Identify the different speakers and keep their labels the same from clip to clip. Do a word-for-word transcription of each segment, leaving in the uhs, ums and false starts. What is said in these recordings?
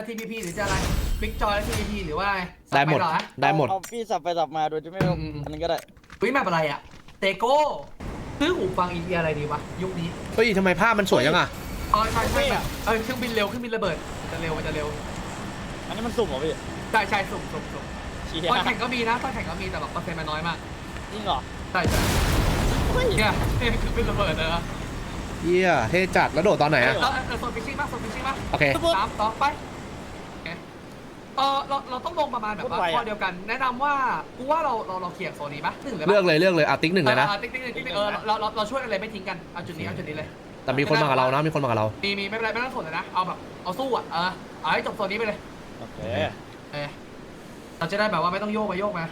Speaker 1: ที พี พี หรือจะอะไรบิ๊กจอยและ ที พี พี หรือว่าอะไร
Speaker 2: ได้หมดได้หมด
Speaker 3: เอาพี่สับไปสับมาโดยจะไม่ต้องอันนั้นก็ได้
Speaker 1: วิแมปอะไรอ่ะเตโก้ซื้อหูฟังอีเทียอะไรดีวะยุคนี้
Speaker 2: เฮ้ยทำไมภาพมันสวยจังอ่ะ
Speaker 1: อ๋อใช่ใช่แบบเออเครื่องบินเร็วเครื่องบินระเบิดจะเร็วมันจะเร็ว
Speaker 3: อันนี้มันสุ่มเหรอพี่
Speaker 1: ใช่ใช่สุ่มสุ่มสุ่มตอนแข่งก็มีนะตอนแข่งก็มีแต่แบบเปอร์เซ็นต์มันน้อยมาก
Speaker 3: จริงเหรอ
Speaker 1: ใช่ใช่เนี่ยเครื่องบินระเบิดนะ
Speaker 2: เยี่ยเท่จัดแล้วโดดตอนไหนอ่ะ
Speaker 1: เราเราโซนฟิชชิ่งป่ะโซนฟิชชิ่งป่ะ
Speaker 2: โอเค
Speaker 1: สามต่อไปเออเราเราต้องลงประมาณแบบว่าข้อเดียวกันแนะนำว่ากูว่าเราเราเราเคลียร์โซนนี้ป่ะหนึ่งเลย
Speaker 2: เลือกเลยเลือกเลยอ่ะติ๊กหนึ่งเลยนะ
Speaker 1: ติ๊กติ๊กติ๊กเออเราเราเราช่วยกันเลยไม่ทิ้งกันเอาจุดนี้เอาจุดนี้เลย
Speaker 2: แต่มีคนมากับเรานะมีคนมากับเรา
Speaker 1: มีมีไม่เป็นไรไม่ต้องสนเลยนะเอาแบบเอาสู้อ่ะเออเอาให้จบโซนนี้ไปเลย
Speaker 3: โอเค
Speaker 1: เออเราจะได้แบบว่าไม่ต้องโยกไปโยกมา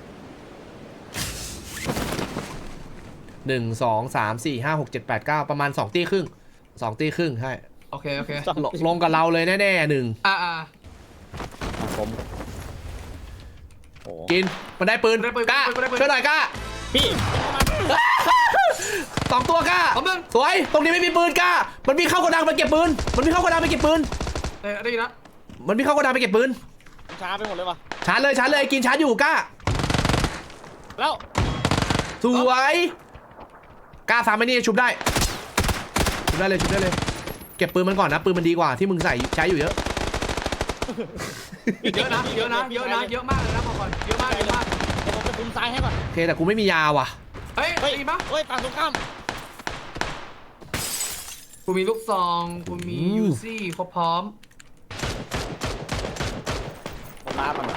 Speaker 2: หนึ่งสองสามสี่ห้าหกเจ็ดแปดเก้าประมาณสองตีครึ่งสองตีครึ่งใช่
Speaker 1: โอเคโอเค
Speaker 2: ลงกับเราเลยแน่ๆหนึ่ง
Speaker 1: อ่าอ่า
Speaker 3: ผม
Speaker 2: กินมันได้ปืนกล้าช่วยหน่อยกล้า
Speaker 3: พี่
Speaker 2: สองตัวกล้าสวยตรงนี้ไม่มีปืนกล้ามันวิ่งเข้าโกดังไปเก็บปืนมันวิ่งเข้าโกดังไปเก็บปืน
Speaker 1: เออได้ยินแล้ว
Speaker 2: มันวิ่งเข้าโกดังไปเก็บปืน
Speaker 3: ช้าไปหมดเลยว่ะ
Speaker 2: ชาร์จเลยชาร์จเลยกินชาร์จอยู่กล้า
Speaker 3: แล้ว
Speaker 2: สวยกล้าสามไอ้นี่ชุบได้ชุบได้เลยชุบได้เลยเก็บปืนมันก่อนนะปืนมันดีกว่าที่มึงใส่ใช้อยู่เยอะ
Speaker 1: เยอะนะเยอะนะเยอะนะเยอะมากเลยนะพอก่อนเยอะมากเยอะมาก
Speaker 3: เดี๋ยวผมจะคุมซ้ายให้ก่อน
Speaker 2: โอเคแต่กูไม่มียาว่ะ
Speaker 1: เฮ้ยตีมั้ย
Speaker 3: เฮ้ยฝั่งตรงข้าม
Speaker 1: กูมีลูกซองกูมียูซี่ครบพร้อม
Speaker 3: ผมลามัน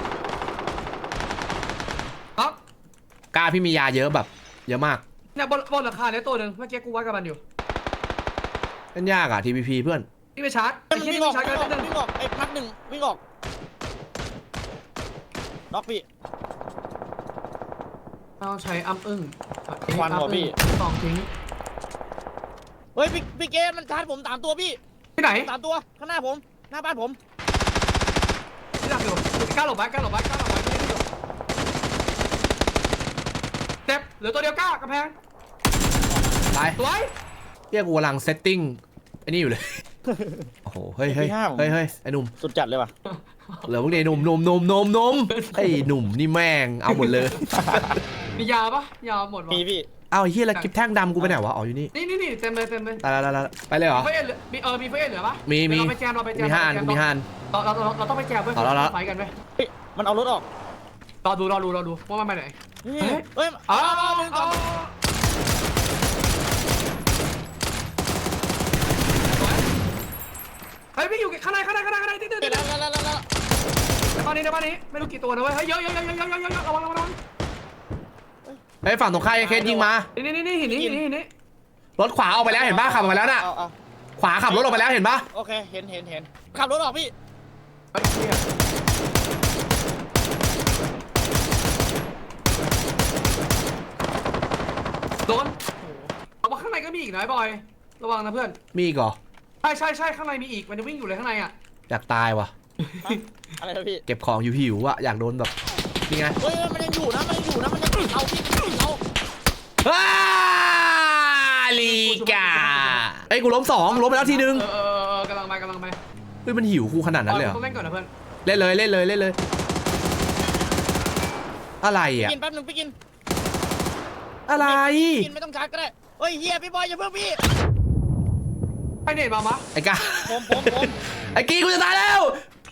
Speaker 1: ครับ
Speaker 2: กล้าพี่มียาเยอะแบบเยอะมาก
Speaker 1: เนี่ยบนบนราคาเนี่ยตัวหนึ่งเมื่อกี้กูวัดกับมันอยู่
Speaker 2: เป็นยากอ่ะ ที พี พี เพื่อน
Speaker 1: นี่ไปชาร์จ
Speaker 3: ไอ้ที่วิ่งชาร์จกันวิ่งออกไอ้พักหนึ่งวิ่งออกล็อกพี่
Speaker 1: เราใช้อัมอึ้ง
Speaker 3: ควันหัวพี่
Speaker 1: สองทิ้ง
Speaker 3: เฮ้ยพี่พี่เกมมันชาร์จผมสามตัวพี่
Speaker 1: ที่ไหน
Speaker 3: สามตัวข้างหน้าผมหน้าบ้านผม
Speaker 1: ที่หลังอยู่ก้าวหลบไปก้าวหลบไปก้าวหลบไปไม่ได้อยู่เจ็บเหลือตัวเดียวก้ากระแพง
Speaker 2: ตาย
Speaker 1: สวย
Speaker 2: เรียกกูกำลังเซตติ้งไอ้นี่อยู่เลยโอ้โหเฮ้ยเฮ้ยเฮ้ยเฮ้ยไอ้หนุ่ม
Speaker 3: สุดจัดเลยว่ะ
Speaker 2: เหลือพวกนี้หนุ่มหนุ่มหนุ่มหนุ่มหนุ่มไอ้หนุ่มนี่แม่งเอาหมดเลย
Speaker 1: มียาปะยาหมดวะ
Speaker 3: มีพี่
Speaker 2: เอาไอ้เหี้ยแล้วกิ๊บแท่งดำกูไปไหนวะอ๋ออยู่นี่
Speaker 1: นี่นี่นี่เต็มเลยเต็มเลย
Speaker 2: ตายแล้วไปเลยเหรอ
Speaker 1: มีเฟสมีเออมีเฟสเหลือปะ
Speaker 2: มีมี
Speaker 1: เราไปแจมเราไปแจม
Speaker 2: มีห้านมีห้าน
Speaker 1: เราเราเราต้องไปแจมเพื่อไฟกันไหม
Speaker 3: มันเอารถออก
Speaker 1: รอดูรอดูรอดูว่ามันไปไหน
Speaker 3: เฮ้ย
Speaker 1: เอา
Speaker 3: เอา
Speaker 1: เฮ้ยพี่อยู่ข้างในข้างในข้างในข้างในติ๊ดติ๊ดติ๊ด
Speaker 3: แล้วแล้วแล้วแล้ว
Speaker 1: ในบ้านนี้ในบ้านนี้ไม่รู้กี่ตัวนะเว้ยเฮ้ยเยอะเยอะเยอะเยอะเยอะเยอะระวังระวังระวัง
Speaker 2: เฮ้ยฝั่งตรงข้ามเคสยิงมา
Speaker 1: นี่นี่นี่เห็นนี่เห็นนี่เห็นนี่
Speaker 2: รถขวาออกไปแล้วเห็นป่ะขับออกไปแล้วน่ะขวาขับรถออกไปแล้วเห็นป่ะ
Speaker 3: โอเคเห็นเห็นเห็นขับรถออกพี่
Speaker 1: โดนระวังข้างในก็มีอีกนะบอยระวังนะเพื่อน
Speaker 2: มีอีกเหรอ
Speaker 1: ใช่ใช่ใช่ข้างในมีอีกมันจะวิ่งอยู่เลยข้างในอ่ะ
Speaker 2: อยากตายว่ะ
Speaker 3: อะไรนะพี่
Speaker 2: เก็บของอยู่หิวอ่ะอยากโดนแบบนี่ไง
Speaker 3: เฮ้ยมันยังอยู่นะมันยังอยู่นะมันยังเอาพี่เอา
Speaker 2: ว้าลีกาไอ้กูล้มสองล้มไปแล้วทีนึง
Speaker 1: เออกำลังไปกำลังไป
Speaker 2: เฮ้ยมันหิวกูขนาดนั้นเลยเหรอ
Speaker 1: ต้องเล่นก่อนนะเพื่อน
Speaker 2: เล่นเลยเล่นเลยเล่นเลยอะไรอ่ะ
Speaker 3: กินแป๊บนึงพี่กิน
Speaker 2: อะไร
Speaker 3: กินไม่ต้องชาร์จก็ได้เฮ้ยเฮียพี่บอยอย่าเพิ่งพี่
Speaker 1: ไอเน็ตมามะ
Speaker 2: ไอ้กา
Speaker 3: ผมผมผม
Speaker 2: ไอ้กีกูจะตายแล้ว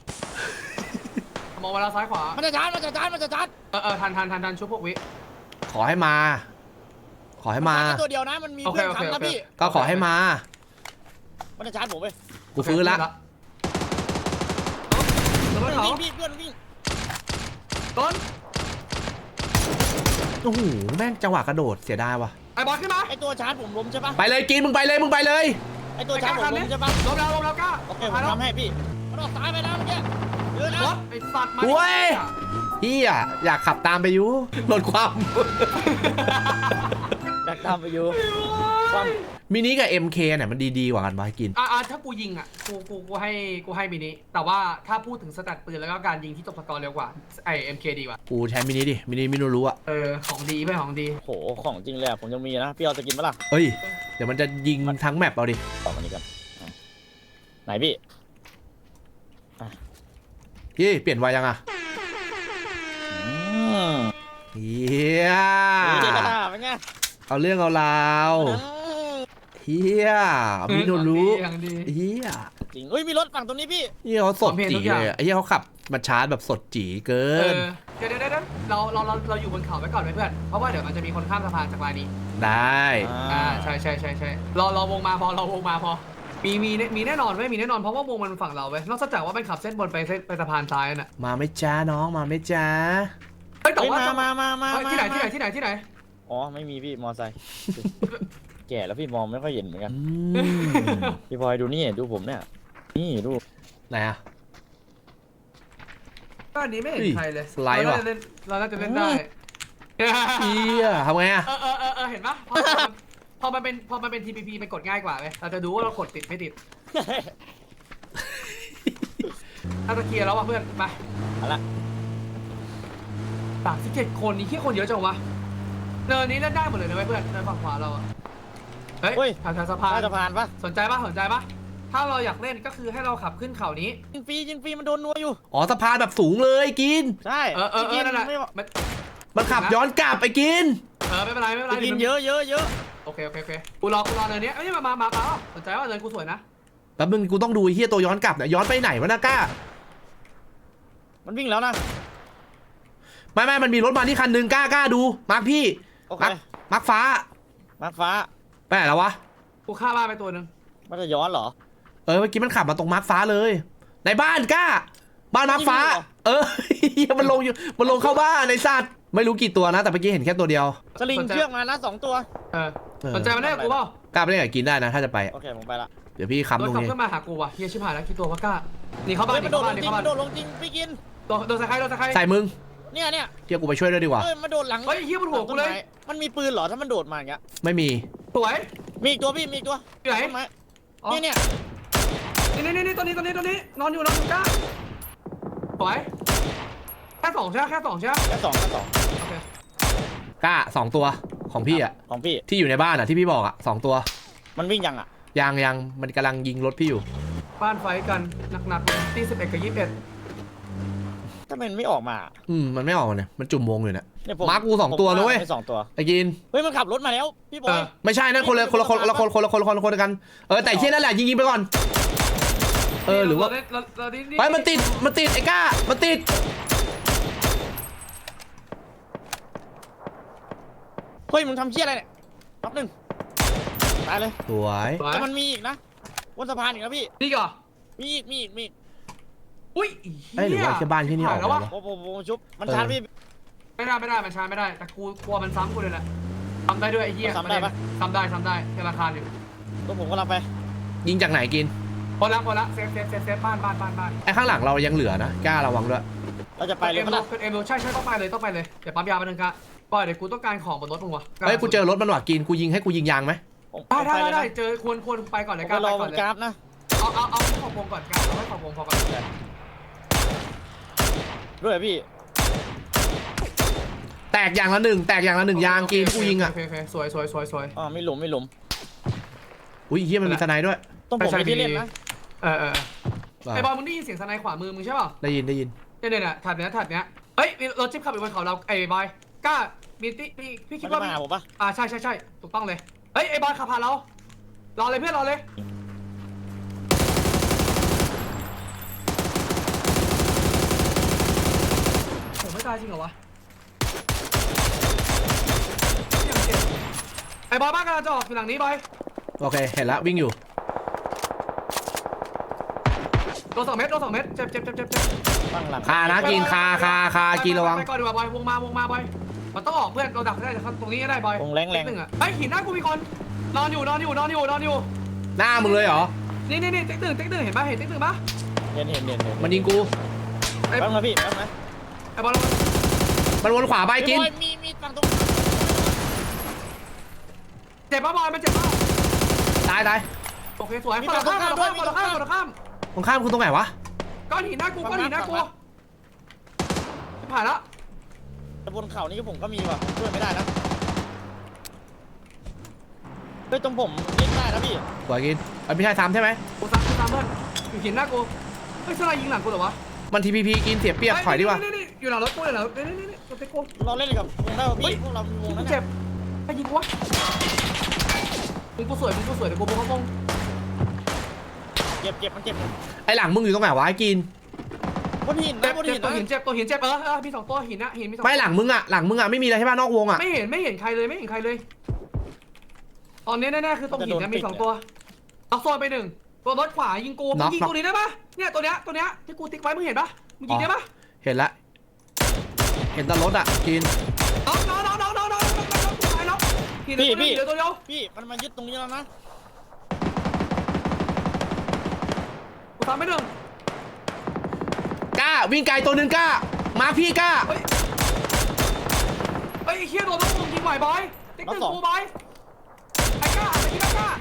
Speaker 1: มองเวลาซ้ายขวา
Speaker 3: มันจะชาร์จมันจะชาร์จมันจะชาร์จ
Speaker 1: เออเออทันทันทันทันช่วยพวกวิ
Speaker 2: ขอให้มาขอให้มา
Speaker 3: ตัวเดียวนะมันมีเพื่อนค้ำนะพี่
Speaker 2: ก็ขอให้มา
Speaker 3: มันจะชาร์จผมไป
Speaker 2: กูฟื้นละ
Speaker 3: วิ่งพี่เพื่อนวิ่ง
Speaker 1: ต้น
Speaker 2: โอ้โหแม่งจังหวะกระโดดเสียดายว่ะ
Speaker 1: ไอ้บอลขึ้นมา
Speaker 3: ไอ้ตัวชาร์จผมล้มใช่ปะ
Speaker 2: ไปเลยกินมึงไปเลยมึงไปเลย
Speaker 3: ไอ้ตัวชาร์จผมล้มใช่ปะ
Speaker 1: ล้มแล้วล้มแล้วก้า
Speaker 3: โอเคผมทำให้พี่มันออกซ้ายไปแล้วเมื่อกี้เยอะนะ
Speaker 1: ไอ้สัตว์มา
Speaker 2: ด้วยพี่อ่ะอยากขับตามไปยูลดความ
Speaker 3: อยากตามไปยู
Speaker 2: มินิกับ เอ็ม เค เนี่ยมันดีๆกว่ากันมากิน
Speaker 1: อ่าถ้ากูยิงอ่ะกูกูกูให้กูให้มินิแต่ว่าถ้าพูดถึงสแตทปืนแล้วก็การยิงที่จบสกอร์เร็วกว่าไอ เอ็ม เค ดีกว่า
Speaker 2: กูใช้มินิดิมินิมินูรู้อ่ะ
Speaker 1: เออของดีเพื่อนของดี
Speaker 3: โหของจริงเลยผมยังมีนะพี่เอาจะกินปะล่ะ
Speaker 2: เฮ้ยเดี๋ยวมันจะยิงทั้งแมปเอาดิ
Speaker 3: ต่อมานี้กันไหนพี่
Speaker 2: พี่เปลี่ยนไวยังอ่ะ
Speaker 3: อืม
Speaker 2: เฮีย
Speaker 3: นี่กระดาษเป็นไง
Speaker 2: เอาเรื่องเอาราว
Speaker 3: อืม
Speaker 2: เฮียพี่โนรู้
Speaker 1: อย่างดี
Speaker 2: เฮีย
Speaker 3: จริงเฮ้ยมีรถฝั่งตรงนี้พี่
Speaker 2: เฮียเขาสด
Speaker 1: ผมเห็น
Speaker 2: จี
Speaker 1: ทุกอย่าง
Speaker 2: เลยอะไอ้เฮียเขาขับมาชาร์จแบบสดจีเกิ
Speaker 1: เอน อเดี๋ยวเดี๋ยวเดี๋ยวเราเราเราเราอยู่บนเขาไว้ก่อนไหมเพื่อนเพราะว่าเดี๋ยวมันจะมีคนข้ามสะพานจากลายนี้
Speaker 2: ได้
Speaker 1: อ่าใช่ใช่ใช่ใช่เราเราวงมาพอเราวงมาพอมีมีมีแน่นอนเว้ยมีแน่นอนเพราะว่าวงมันฝั่งเราเว้ยนอกจากว่ามันขับเส้นบนไปเส้นไปสะพานซ้ายน่ะ
Speaker 2: มาไม่จ้าน้องมาไม่จ้า
Speaker 1: เฮ้ยแต่
Speaker 3: เฮ้ย
Speaker 1: ว่า
Speaker 3: มามามามา
Speaker 1: เฮ้ย
Speaker 3: มา
Speaker 1: ที่ไหน
Speaker 3: มา
Speaker 1: ที่ไหนที่ไหนที่ไหน
Speaker 3: อ๋อไม่มีพี่มอไซค์ แก่แล้วพี่มองไม่ค่อยเห็นเหมือนกัน
Speaker 2: อืม
Speaker 3: พี่บอยดูนี่ดูผมเนี่ยนี่ดู
Speaker 2: ไหนอะ
Speaker 1: บ้านนี้ไม่เห็น
Speaker 2: เฮ้ย
Speaker 1: ใครเลย
Speaker 2: สไลด์ว่ะ
Speaker 1: เราน่าจะเล่นเราน่าจะเล่นได้
Speaker 2: เฮียทำไงอะ
Speaker 1: เออเออเออเออเห็นปะพอมันพอมันเป็นพอมันเป็น ที พี พี มันกดง่ายกว่าเว้ยเราจะดูว่าเรากดติดไม่ติดถ้าจะเคลียร์แล้วว่ะเพื่อนไป
Speaker 3: เอาละ
Speaker 1: สามสิบเจ็ดคนนี่ที่คนเยอะจังวะเนินนี้เล่นได้หมดเลยนะเว้ยเพื่อนเนินฝั่งขวาเราอะเฮ้ยแถวแถวสะพาน
Speaker 3: ใต้สะพานปะ
Speaker 1: สนใจปะสนใจปะถ้าเราอยากเล่นก็คือให้เราขับขึ้นเขานี้
Speaker 3: ยิงฟรียิงฟรีมันโดนนัวอยู่
Speaker 2: อ๋อสะพานแบบสูงเลยกิน
Speaker 3: ใช่
Speaker 1: เออเออเออนั่นแหละ
Speaker 3: ไม่
Speaker 1: มัน
Speaker 2: มันขับย้อนกลับไปกิน
Speaker 1: เออไม่เป็นไรไม่เป็นไร
Speaker 3: กินเยอะเยอะเยอะ
Speaker 1: โอเคโอเคโอเคกูรอกูรอเนินนี้เอ้ยมามามามาสนใจว่าเนินกูสวยนะ
Speaker 2: แป๊บนึงกูต้องดูไอ้เฮียตัวย้อนกลับเนี่ยย้อนไปไหนวะนะก้า
Speaker 3: มันวิ่งแล้วนะ
Speaker 2: ไม่ไม่มันมีรถมาที่คันหนึ่งกล้ากล้าดูมาร์คพี่
Speaker 3: โอเค
Speaker 2: มาร์คมาร์คฟ้า
Speaker 3: มาฟ้า
Speaker 2: ไปไหนแล้ววะ
Speaker 1: กูฆ่าบ้านไปตัวหนึ่ง
Speaker 3: มันจะย้อนเหรอ
Speaker 2: เออเมื่อกี้มันขับมาตรงมาร์คฟ้าเลย ในบ้านกล้า บ้านมาร์คฟ้า
Speaker 3: จริงเหรอ
Speaker 2: เออ เหี้ยมันลงอยู่มันลงเข้าบ้านในสัตว์ไม่รู้กี่ตัวนะ แต่เมื่อกี้เห็นแค่ตัวเดียว
Speaker 3: สลิงเชือกมานะสองตัว
Speaker 1: เออ
Speaker 2: เออ
Speaker 1: สนใจมาเล่นกับกูเปล่าก
Speaker 2: ล้าไปเล่นกับกินได้นะถ้าจะไป
Speaker 3: โอเคผมไปละ
Speaker 2: เดี๋ยวพี่
Speaker 1: ร
Speaker 2: ค้ำ
Speaker 1: ถ
Speaker 2: ตรง
Speaker 1: ขับ
Speaker 2: นี้
Speaker 1: ขึ้นมาหากูว่ะเฮียชิบหายแล้วกี่ตัววะกล้าหนีเข้าบ้า
Speaker 3: เฮ้
Speaker 1: น
Speaker 3: ย
Speaker 1: หนี
Speaker 3: มันโด
Speaker 1: เข้าน
Speaker 3: ล
Speaker 1: บ้าน
Speaker 3: ง
Speaker 1: ห
Speaker 3: จ
Speaker 1: นี
Speaker 3: ริง
Speaker 1: เข้าบ้าน
Speaker 3: มันโดนลงจริงพี่กิน
Speaker 1: โดนโดนสะใครโดนสะใคร
Speaker 2: ใส่มึง
Speaker 3: เนี่ยเนี่ย
Speaker 2: เฮียกูไปช่วยด้วยดีกว่า
Speaker 3: เฮ้ยมันโดดหลัง
Speaker 1: เฮ้ยเฮียบนหัวกูเลย
Speaker 3: มันมีปืนเหรอถ้ามันโดดมาอย่างเงี้ย
Speaker 2: ไม่มี
Speaker 1: สวย
Speaker 3: มีอีกตัวพี่มีอีกตัว
Speaker 1: อยู่ไหน
Speaker 3: ต้นไม้
Speaker 1: อ๋อ
Speaker 3: เนี่ยเนี่ย
Speaker 1: นี่นี่นี่ตัวนี้ตัวนี้ตัวนี้นอนอยู่นอนอยู่กล้าสวยแค่สองใช่ไหมแค่สองใช่ไหม
Speaker 3: แค่สองแค่สอง
Speaker 1: โอเค
Speaker 2: กล้าสองตัวของพี่อะ
Speaker 3: ของพี่
Speaker 2: ที่อยู่ในบ้านอะที่พี่บอกอะสองตัว
Speaker 3: มันวิ่งยังอ่ะ
Speaker 2: ยังยังมันกำลังยิงรถพี่อยู่
Speaker 1: บ้านไฟกันหนักๆตีสิบเอ็ดกับยี่สิบเอ็ด
Speaker 3: ถ้ามันไม่ออกมา
Speaker 2: อืมมันไม่ออกเนี่ยมันจุ่มวงอยู่เนี่ย
Speaker 3: เนี่ย
Speaker 2: มาร์คกูสองตัวนะเว้ย
Speaker 3: ผมฆ่าไปสองตัว
Speaker 2: ไอ้กิน
Speaker 3: เฮ้ยมันขับรถมาแล้วพี่บอย
Speaker 2: ไม่ใช่นั่นคนละคนละคนละคนคนละคนละคนกันเออแต่ไอ้เชี่ยนั่นแหละยิงยิงไปก่อนเออหรือว่า
Speaker 1: เราเราเรา
Speaker 2: ไปมันติดมันติดไอ้ก้ามันติด
Speaker 3: เฮ้ยมึงทำเชี่ยอะไรเนี่ยนับหนึ่งตายเลย
Speaker 2: สวย
Speaker 3: แต่มันมีอีกนะบนสะพานอีกนะพี่
Speaker 1: นี่ก่อ
Speaker 3: มีอีกมีอีกมีอีก
Speaker 1: อุ้ย
Speaker 2: ไอ้ยหรือว่าแค่บ้านที่นี่ออก
Speaker 1: แล้ว
Speaker 2: แล้ว
Speaker 1: วะ
Speaker 2: วะ
Speaker 3: โอ้โหโอ้โหชุบมันชาร์จพี่
Speaker 1: ไม่ได้ไม่ได้มันชาร์จไม่ได้ แต่กูกลัวมันซ้ำกูเลยแหละซ้ำได้ด้วยไอ้เหี้ย
Speaker 3: ซ้ำได้ปะ
Speaker 1: ซ้ำได้ซ้ำได้ธนาคารอยู่
Speaker 3: ตัวผมกำลังไป
Speaker 2: ยิงจากไหนกิน
Speaker 1: พอละพอละเซฟเซฟเซฟเซฟบ้านบ้านบ้านบ้าน
Speaker 2: ไอ้ข้างหลังเรายังเหลือนะกล้าระวังด้วย
Speaker 3: เราจะไปเลย
Speaker 1: เอ็ม
Speaker 3: มั้ย
Speaker 1: โล
Speaker 3: ล่ะ
Speaker 1: เอ็มโลใช่ใช่ต้องไปเลยต้องไปเลยเดี๋ยวปั๊มยาไปหนึ่งกะปล่อยเดี๋ยวกูต้องการของบนรถมึงวะ
Speaker 2: เฮ้ยกูเจอรถมันว่ะกินกูยิงให้กูยิงยางไหม
Speaker 3: ผม
Speaker 1: ได้ได้
Speaker 3: ผมป
Speaker 1: ได้
Speaker 3: เลยนะ
Speaker 1: เจอควรควรไปก่อนเลย
Speaker 3: ผม
Speaker 1: กา
Speaker 3: ไป
Speaker 1: ร
Speaker 3: รอ
Speaker 1: ไป
Speaker 3: บ
Speaker 1: ก่อน
Speaker 3: น
Speaker 1: เลย
Speaker 3: กราฟนะ
Speaker 1: เอาเอาเอาให้ขอบวงก่อนการเอาให้ขอบวงพอก่อน
Speaker 3: ด้วยพี่
Speaker 2: แตกอย่างละหนึ่งแตกอย่างละหนึ่งยางกินกูยิงอ่ะ
Speaker 1: โอเคโอเคสวยสวยสวยสวย
Speaker 3: อ๋อไม่หลุมไม่หลุม
Speaker 2: อุ้ยเฮียมันมีทนายด้วย
Speaker 3: ต้องผมไปที่เล่นนะ
Speaker 1: เออเออไอ้บอลมึงได้ยินเสียงสไนขวามือมึงใช่ป่ะ
Speaker 2: ได้ยินได้ยิน
Speaker 1: เนี่ยเนี่ยถัดเนี้ยถัดเนี้ยเฮ้ยมีรถจิ๊บขับอยู่บนเขาเราไอ้บอยกล้ามีติพี่พี่คิ
Speaker 3: มั
Speaker 1: ด
Speaker 3: นจะ
Speaker 1: ว่า
Speaker 3: มาหาผมปะ
Speaker 1: อ่าใช่ใช่ใช่ถูกต้องเลยเฮ้ยไอ้บอยขับผ่านเรารอเลยเพื่อนรอเลยผมไม่ตายจริงเหรอวะยังเจ็บไอ้บอยบ้านกำลังจะออกอยู่หลังนี้บอย
Speaker 2: โอเคเห็นละวิ่งอยู่
Speaker 1: โดนสองเมตรโดนสองเมตรเจ็บเจ็บเจ็บเจ็บเจ็บ
Speaker 3: ตั้งหลัง
Speaker 2: คานะกินคาคาคากินระวัง
Speaker 1: ไปก่อนดีกว่าบอยวงมาวงมาบอยมันต้องออกเพื่อนเราดักได้ตรงนี้ก็ได้บอยว
Speaker 3: งแรงแรง
Speaker 1: หนึ่งอ่ะไอ้หินหน้ากูมีคนนอนอยู่นอนอยู่นอนอยู่นอนอยู่
Speaker 2: หน้ามึงเลยเหรอ
Speaker 1: นี่นี่นี่ติ๊กตึงติ๊กตึงเห็นปะเห็นติ๊กตึงปะ
Speaker 3: เห็นเห็นเห็นเห็น
Speaker 2: มันยิงกู
Speaker 1: ไอ้
Speaker 3: แป๊บนะพี่แป๊บนะ
Speaker 1: ไอ้บอลเรา
Speaker 2: มันวนขวาไปกิน
Speaker 3: พี่บอยมีมีฝั่งตรง
Speaker 1: เจ็บปะบอยมันเจ็บปะ
Speaker 2: ตายตาย
Speaker 1: โอเคสวยคนละข้ามคนละข้ามคนละข้ามคนละข้าม
Speaker 2: ตรงข้ามคุณตรงไหนวะ
Speaker 1: ก้อนหินหน้ากูก้อนหินหน้ากูผ่านละ
Speaker 3: แต่บนเขานี่ผมก็มีว่ะช่วยไม่ได้นะเฮ้ยตรงผมเล่นได้นะพี่
Speaker 2: สวยกินเอ้ยไม่ใช่ทำใช่ไหม
Speaker 1: กูซ้ำกูซ้ำเพื่อนอยู่หินหน้ากูเฮ้ยสไลด์ยิงหลังกูเหรอวะ
Speaker 2: มันทีพีพีกินเสียเปรียบถอยดีกว่า
Speaker 1: นี่นี่อยู่หลังรถกูเลยเหรอนี่นี่นี่รถเต็กกู
Speaker 3: เราเล่นกับวงได้ป่ะพี่พวกเรามีวงนั้น
Speaker 1: เจ็บไปยิงวะมึงกูสวยมึงกูสวยเดี๋ยวกูบุกเข้าวง
Speaker 3: เจ็บเจ็บมันเจ็บ
Speaker 2: ไอหลังมึงอยู่ตรงไหนวะไอ้กิน
Speaker 3: บนหิน
Speaker 1: เจ็
Speaker 3: นะ
Speaker 1: บบ
Speaker 3: น
Speaker 1: เจ็
Speaker 3: หิ
Speaker 1: บ
Speaker 3: น
Speaker 1: ตัว
Speaker 3: นะ
Speaker 1: หินเจ็บตัวหินเจ็บเออเออมีสองตัวหินนะหินมีสอง
Speaker 2: ไม่หลังมึงอะหลังมึงอะไม่มีอะไรใช่ป่ะนอกวงอะ
Speaker 1: ไม่เห็นไม่เห็นใครเลยไม่เห็นใครเลย ตอนนี้แน่ๆคือตรงหินนะมีสองตัวล็อกโซนไปหนึ่งตัวรถขวายิงกูมึงยิงตัวนี้ได้ปะเนี่ยตัวเนี้ยตัวเนี้ยที่กูติ๊กไว้มึงเห็นปะมึงยิงได้ปะ
Speaker 2: เห็นละเห็นแตรถอะกิน
Speaker 1: น้องน้องน้องน้องน้องน้องน้องน้องตัวไหนน้องหินเหลือตัวเดียวหินเหลือตัวเดียว
Speaker 3: พี่มันมายึดตรงนี้แล้วนะ
Speaker 1: กูทำไม่หนึ่ง
Speaker 2: กล้าวิ่งไกลตัวหนึ่งกล้ามาพี่กล้า
Speaker 1: เฮ้ยเฮ้ยไอ้เฮียโดนน้องมึงยิงใหม่บอยติ๊กหนึ่งกูบอยไอ้ก้าไอ้ที่ก้า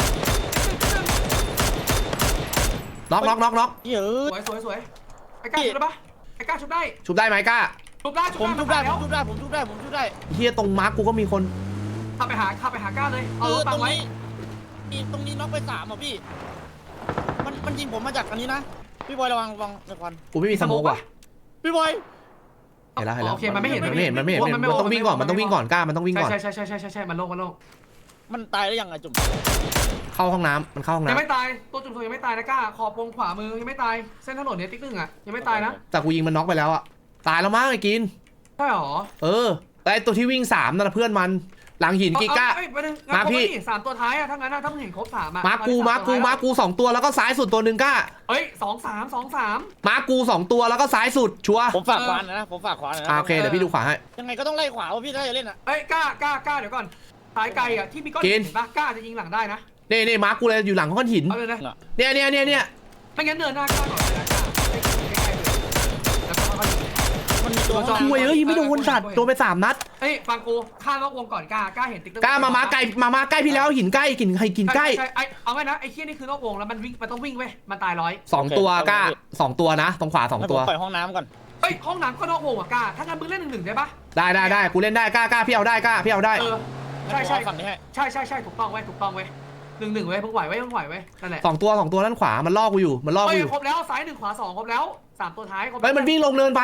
Speaker 2: น็อกน็อกน็อกน็อก
Speaker 3: เยอะ
Speaker 1: สวยสวยสวยไอ้ก้าชุบได้ปะไอ้ก้าชุบได้
Speaker 2: ชุบได้ไหมกล้า
Speaker 1: ชุบได้
Speaker 3: ผมชุบได้
Speaker 1: แล้
Speaker 3: ผ
Speaker 1: ว
Speaker 3: มชุบได้ผมชุบได้ผมชุบได้
Speaker 2: เฮียตรงมาร์กกูก็มีคน
Speaker 1: ขับไปหาขับไปหาก้าเลย
Speaker 3: เอ
Speaker 1: เอาร
Speaker 3: อ
Speaker 1: ถ
Speaker 3: ต
Speaker 1: ตั
Speaker 3: รง ง
Speaker 1: ไว้
Speaker 3: นี้นี่ตรงนี้น็อกไปสามอ่ะพี่มันมันยิงผมมาจากอันนี้นะพี่บอยระวังระวังในควัน
Speaker 2: กูไม่มีสโมกว่ะ
Speaker 3: พี่บอย
Speaker 2: เห็นแล้วเห็นแล้ว
Speaker 1: โอเคมันไม่เห็น
Speaker 2: มันไม่เห็นมันไม่เห็นมันมันต้องวิ่งก่อนมันต้องวิ่งก่อนกล้ามันต้องวิ่งก่อน
Speaker 1: ใช่ใช่ใช่ใช่ใช่ใช่มันโล่งมันโล่ง
Speaker 3: มันตายได้ยังไงจุ่ม
Speaker 2: เข้าห้องน้ำมันเข้าห้อง
Speaker 1: ยัง
Speaker 2: น้ำ
Speaker 1: ไม่ตายตัวจุ่มตัวยังไม่ตายนะก้าขอบวงขวามือยังไม่ตายเส้นถนนเนี่ยติ๊กหนึ่งอ่ะยังไม่ตายนะ
Speaker 2: แต่กูยิงมันน็อกไปแล้วอะตายแล้วมั้งไอ้กิน
Speaker 1: ใช่หรอ
Speaker 2: เออแต่ไอ้ตัวที่วิ่งสามนั่นนะเพื่อนมันหลังหินกิก้า มาพี่
Speaker 1: สามตัวท้ายอ่ะทั้งนั้นถ้ามึงเห็นครบสามอ่ะ
Speaker 2: มาร์กกูมาร์กกูมาร์กกูสองตัวแล้วก็ซ้ายสุดตัวหนึ่งกล้า
Speaker 1: เฮ้ยสองสามสองสาม
Speaker 2: มาร์กกูสองตัวแล้วก็ซ้ายสุดชัวร์
Speaker 3: ผมฝากขวานนะผมฝากขวานนะ
Speaker 2: อ่าโอเคเดี๋ยวพี่ดูขวาให้
Speaker 3: ยังไงก็ต้องไล่ขวาว่าพี่ถ้าจะเล่นอ่ะ
Speaker 1: เอ้ยกล้ากล้ากล้าเดี๋ยวก่อนสายไกลอ่ะที่มีก้อนหินปะกล้าจะยิงหลังได้นะ
Speaker 2: นี่นี่มาร์กกูเลยอยู่หลังก้อนหิน
Speaker 1: เอาเลยนะ
Speaker 2: เนี่ยเนี่ยเนี่ยเนี่ย
Speaker 1: ไม่งั้นเดินหน้ากล้าก่อนเลยนะกล้าใกล้ๆเลยแล้วก็ค่อย
Speaker 3: มันมีตัว
Speaker 2: คุยเอ้ยไม่โดนสัตว์โดนไปสามนัด
Speaker 1: เอ้ยฟังกูข้ามนอกวงก่อนกล้ากล้าเห็นติ๊ก
Speaker 2: กล้ามามาไกลมามาใกล้พี่แล้วหินใกล้หินใครกินใกล้
Speaker 1: ช่ไอ้เอาไว้นะไอ้เคี้ยนี่คือนอกวงแล้วมันวิ่งมันต้องวิ่งเว้ยมันตายร้อย
Speaker 2: สองตัวกล้าสองตัวนะตรงขวาสอง
Speaker 3: ให้ผ
Speaker 2: ตัว
Speaker 3: มปล่อยห้องน้ำก่อน
Speaker 1: เฮ้ยห้องน้ำก็นอกวงอ่ะกล้าถ้างั้นมึงเล่นหนึ่งหนึ่งได้ปะ
Speaker 2: ได้ได้ได้กูเล่นได้กล้ากล้าพี่เอาได้กล้าพี่เอาได้
Speaker 1: เออใช่ใช่
Speaker 3: ฝั่งนี้ให้
Speaker 1: ใช่ใช่ใช่ถูกต้องเว้ยถูกต้องเว้ยหนึ่งหนึ่งเว้ยมึงไหวเว้ยมึงไหวเว้ยนั่นแหละ
Speaker 2: สองตัวสองตัวด้านขวามันล่อกูอยู่มันล่อ
Speaker 1: เฮ้
Speaker 2: กู
Speaker 1: ย
Speaker 2: อยู่
Speaker 1: ครบแล้วซ้ายหนึ่งขวาสองครบแล้วสามตัวท้ายครบ
Speaker 2: เฮ้ยมันวิ่งลงเนินไป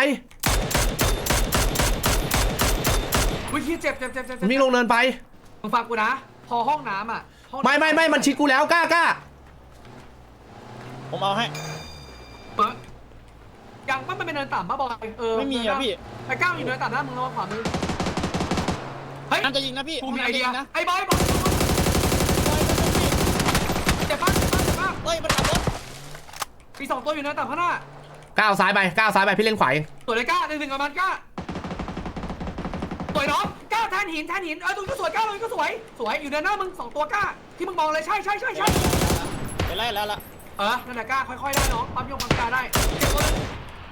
Speaker 1: วิ่งเจ็บเจ็บเจ็บเจ็บ
Speaker 2: มันวิ่งลงเนินไป
Speaker 1: มึงฟังกูนะ พอห้องน้ำอ่ะห้องน้ำ
Speaker 2: ไม่ไม่ไม่มันชิดกูแล้วกล้ากล้า
Speaker 3: ผมเอาให้
Speaker 1: เออยังว่ามันเป็นเนินต่ำปะบอยเออ
Speaker 3: ไม่มีอ่ะพี่
Speaker 1: ไอ้ก้าวอยู่เนินต่ำนะมึงระวังขวามือเฮ้ย
Speaker 3: น้ำจะยิงนะพี่
Speaker 1: กูมีไอ
Speaker 3: น้ำจะ
Speaker 1: เดีย
Speaker 3: ยิงนะ
Speaker 1: ไอ้บอยบอกเจ็บปะเจ็บปะเจ็บปะ
Speaker 3: เฮ้ยมันขับรถ
Speaker 1: มีสองตัวอยู่เนินต่ำข้างหน้า
Speaker 2: ก้าวซ้ายไปก้าวซ้ายไปพี่เล่นขวาเอง
Speaker 1: ตัวเลยก้าหนึ่งหนึ่งกับมันก้าสวยน้องก้าแทนหินแทนหินเออตรงนี้ก็สวยก้าตรงนี้ก็สวยสวยอยู่เดินหน้ามึงสองตัวก้าที่มึงมองเลยใช่ใช่ใช่ใช่
Speaker 3: ไปไล่แล้วล่ะ
Speaker 1: เออนั่นแหละก้าค่อยๆได้น้องปั๊มยงปั๊มกาได้เจ็บตัวนึง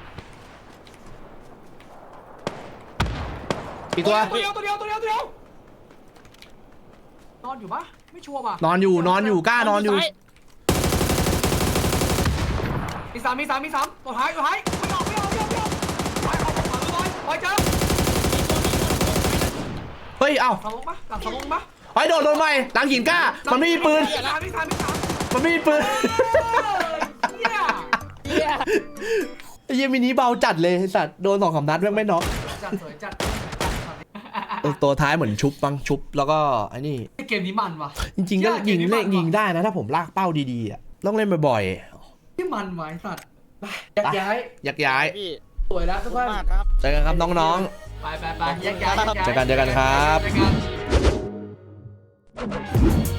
Speaker 2: อีกตัว
Speaker 1: ตัวเดียวตัวเดียวตัวเดียวตัวเดียวนอนอยู่ปะไม่ชัวร์ป่ะ
Speaker 2: นอนอยู่นอนอยู่กล้านอนอยู่
Speaker 1: มีสามมีสามมีสามตัวท้ายตัวท้ายไม่ออกไม่ออกไม่ออกไม่ออกไปออกขวามือบอยบอยเจอ
Speaker 2: เฮ้ยเอ้า
Speaker 1: สมองปะหลังสมองปะ
Speaker 2: เฮ้ยโดนโดนใหม่หลังหินกล้ามันไม่มีปืน
Speaker 1: มีสามมีสามมีสาม
Speaker 2: มันไม่มีปืน
Speaker 1: เฮีย
Speaker 3: เหี้ย
Speaker 2: ไอ้เหี้ยมินิเบาจัดเลยไอ้สัตว์โดนสองสามนัดแม่งไม่น็อก
Speaker 1: จัดสวยจัด
Speaker 2: เออตัวท้ายเหมือนชุบบังชุบแล้วก็ไอ้นี่
Speaker 1: เกมนี้มันว่ะ
Speaker 2: จริงๆก็
Speaker 1: ยาก
Speaker 2: ยิง
Speaker 1: เกมนี้
Speaker 2: เล่น
Speaker 1: มันว่ะ
Speaker 2: ยิงได้นะถ้าผมลากเป้าดีๆอ่ะต้องเล่นบ่อย
Speaker 1: ที่มันไว้สัตว์ไปแยกย้าย
Speaker 2: ๆยักย้าย
Speaker 3: พี่
Speaker 1: สวยแล้วทุก
Speaker 3: ขอบ
Speaker 1: ค
Speaker 3: คุณ
Speaker 1: น
Speaker 3: มากครับ
Speaker 2: เจอกันครับน้อง
Speaker 1: ไปไปไปแยกย้ายแยกย้าย
Speaker 2: เจอกันเจอกันครับ
Speaker 1: เจอกัน